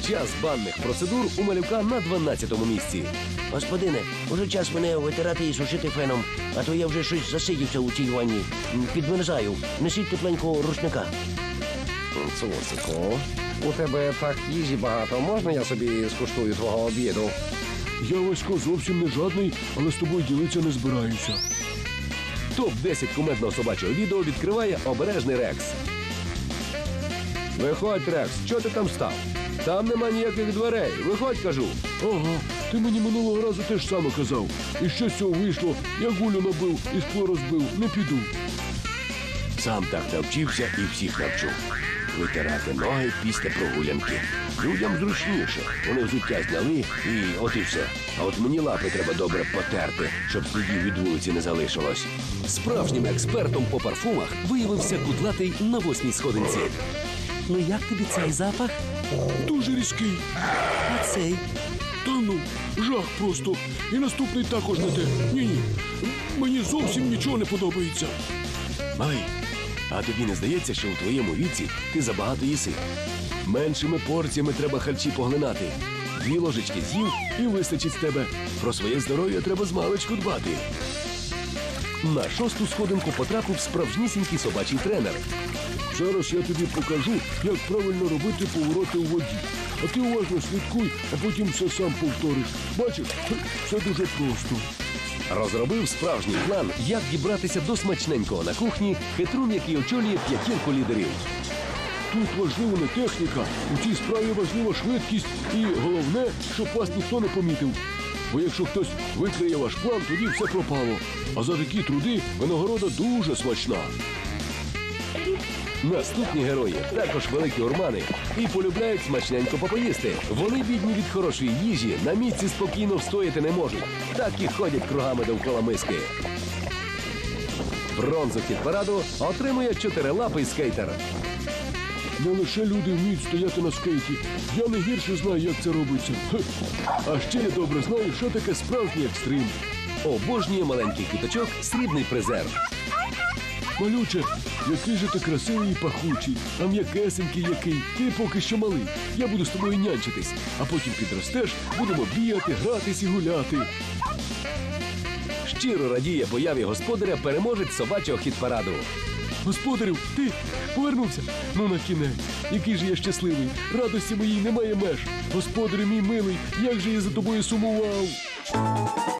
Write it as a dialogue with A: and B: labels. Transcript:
A: Час банних процедур у малюка на 12-му місці.
B: Господине, уже час мене витирати і сушити феном, а то я вже щось засидівся у цій ванні. Підмерзаю. Несіть тепленького рушника.
A: Цуцику, у тебе так їжі багато. Можна я собі скуштую твого обіду?
C: Я, Васько, зовсім не жадний, але з тобою ділитися не збираюся.
A: Топ-10 кумедного собачого відео відкриває обережний Рекс. Виходь, Рекс, що ти там став? Там нема ніяких дверей. Виходь, кажу.
C: Ага, ти мені минулого разу теж саме казав. І що з цього вийшло? Я гулю набив і скло розбив. Не піду.
A: Сам так навчився і всіх навчу. Витирати ноги після прогулянки. Людям зручніше. Вони взуття зняли і от і все. А от мені лапи треба добре потерти, щоб слідів від вулиці не залишилось.
D: Справжнім експертом по парфумах виявився кудлатий на 8-й сходинці. Ну як тобі цей запах?
C: Дуже різкий.
D: А цей?
C: Та ну, жах просто. І наступний також не те. Ні-ні. Мені зовсім нічого не подобається.
A: Малий, а тобі не здається, що у твоєму віці ти забагато їси? Меншими порціями треба харчі поглинати. 2 ложечки з'їв і вистачить з тебе. Про своє здоров'я треба змалечку дбати. На 6-ту сходинку потрапив справжнісінький собачий тренер.
C: Зараз я тобі покажу, як правильно робити повороти у воді. А ти уважно слідкуй, а потім все сам повториш. Бачиш, все дуже просто.
A: Розробив справжній план, як дібратися до смачненького на кухні, хитрун, який очолює 5 лідерів.
C: Тут важлива не техніка, у цій справі важлива швидкість і головне, щоб вас ніхто не помітив. Бо якщо хтось викриє ваш план, тоді все пропало. А за такі труди винагорода дуже смачна.
A: Наступні герої також великі урмани і полюбляють смачненько попоїсти. Вони, бідні від хорошої їжі, на місці спокійно встояти не можуть. Так і ходять кругами довкола миски. Бронзу хіт-параду отримує 4-лапий скейтер.
C: Не лише люди вміють стояти на скейті. Я не гірше знаю, як це робиться. Хе. А ще я добре знаю, що таке справжній екстрим.
A: Обожнює маленький квіточок срібний призер.
C: Малюче, який же ти красивий і пахучий, а м'якесенький який. Ти поки що малий. Я буду з тобою нянчитись, а потім підростеш, будемо бігати, гратись і гуляти.
A: Щиро радіє появі господаря переможець собачого хіт-параду.
C: Господарю, ти повернувся? Ну на кінець. Який же я щасливий. Радості моїй немає меж. Господарю мій милий, як же я за тобою сумував.